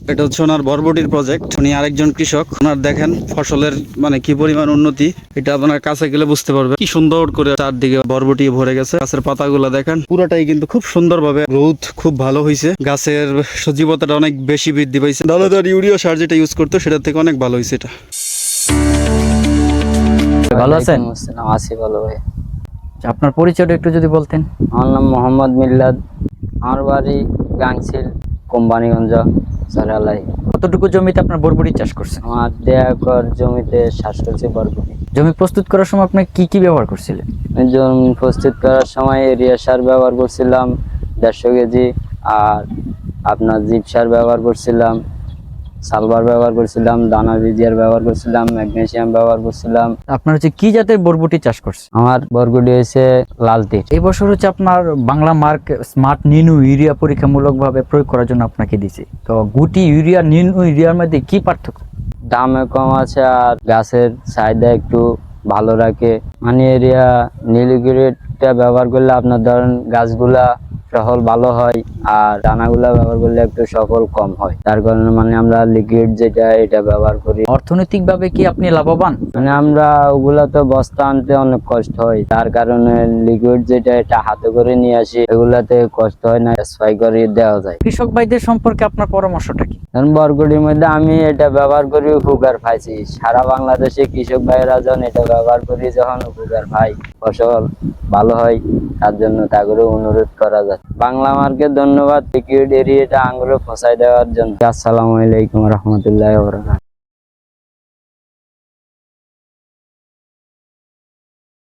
এটা হচ্ছে ওনার বরবটির প্রজেক্ট। উনি আরেকজন কৃষক। ওনার দেখেন ফসলের মানে কি পরিমাণ উন্নতি, এটা আপনার কাছে গেলে বুঝতে পারবে। কি সুন্দর করে চারদিকে বরবটি ভরে গেছে। গাছের পাতাগুলো দেখেন পুরোটাই কিন্তু খুব সুন্দরভাবে গ্রোথ খুব ভালো হয়েছে। গাছের সজীবতাটা অনেক বেশি বৃদ্ধি পাইছে। দানাদার ইউরিয়া সার যেটা ইউজ করতো সেটার থেকে অনেক ভালো হয়েছে এটা। ভালো আছেন? ওয়ালাইকুম আসসালাম, আছি ভালো ভাই। আপনার পরিচয়টা একটু যদি বলতেন। আমার নাম মোহাম্মদ মিল্লাদ, আমার বাড়ি গাংচিল, কোম্পানিগঞ্জ, সারালাই। কতটুকু জমিতে আপনার বরবটি চাষ করছেন? আমার 1.5 একর জমিতে চাষ করছি বরবটি। জমি প্রস্তুত করার সময় আপনি কি কি ব্যবহার করছিলেন? জমি প্রস্তুত করার সময় এরিয়া সার ব্যবহার করছিলাম 150 কেজি, আর আপনার জিপ সার ব্যবহার করছিলাম, সালভার ব্যবহার করছিলাম, দানা বিজিয়ার ব্যবহার করছিলাম, ম্যাগনেসিয়াম ব্যবহার করছিলাম। আপনার হচ্ছে কি জাতের বরবটি চাষ করছেন? আমার বরবটি হয়েছে লালতির। এই বছর হচ্ছে আপনার বাংলা মার্ক স্মার্ট নিনু ইউরিয়া পরীক্ষামূলকভাবে প্রয়োগ করার জন্য আপনাকে দিয়েছে। তো গুটি ইউরিয়া নিনু ইউরিয়ার মধ্যে কি পার্থক্য? দামে কম আছে আর গাছের চাহিদা একটু ভালো রাখে। মানে এরিয়া নীলগিরিটা ব্যবহার করলে আপনার ধরেন গাছগুলা সফল ভালো হয়, আর দানাগুলা ব্যবহার করলে একটু সফল কম হয়। তার কারণে মানে আমরা লিকুইড যেটা এটা ব্যবহার করি। অর্থনৈতিকভাবে কি আপনি লাভবান? মানে আমরা ওগুলা তো বস্তা আনতে অনেক কষ্ট হয়, তার কারণে লিকুইড যেটা এটা হাতে করে নিয়ে আসি, এগুলাতে কষ্ট হয় না, স্প্রে করে দেওয়া যায়। কৃষক ভাইদের সম্পর্কে আপনার পরামর্শটা কি? কারণ বরগুটির মধ্যে আমি এটা ব্যবহার করি, উপকার পাইছি। সারা বাংলাদেশে কৃষক ভাইয়েরা যখন এটা ব্যবহার করি, যখন উপকার পাই, ফসল ভালো হয়, তার জন্য তা করে অনুরোধ করা যায়। বাংলা মার্কে ধন্যবাদ লিকুইড এরিয়াটা আঙুলে পৌঁছায় দেওয়ার জন্য। আসসালামু আলাইকুম রহমতুল্লাহ।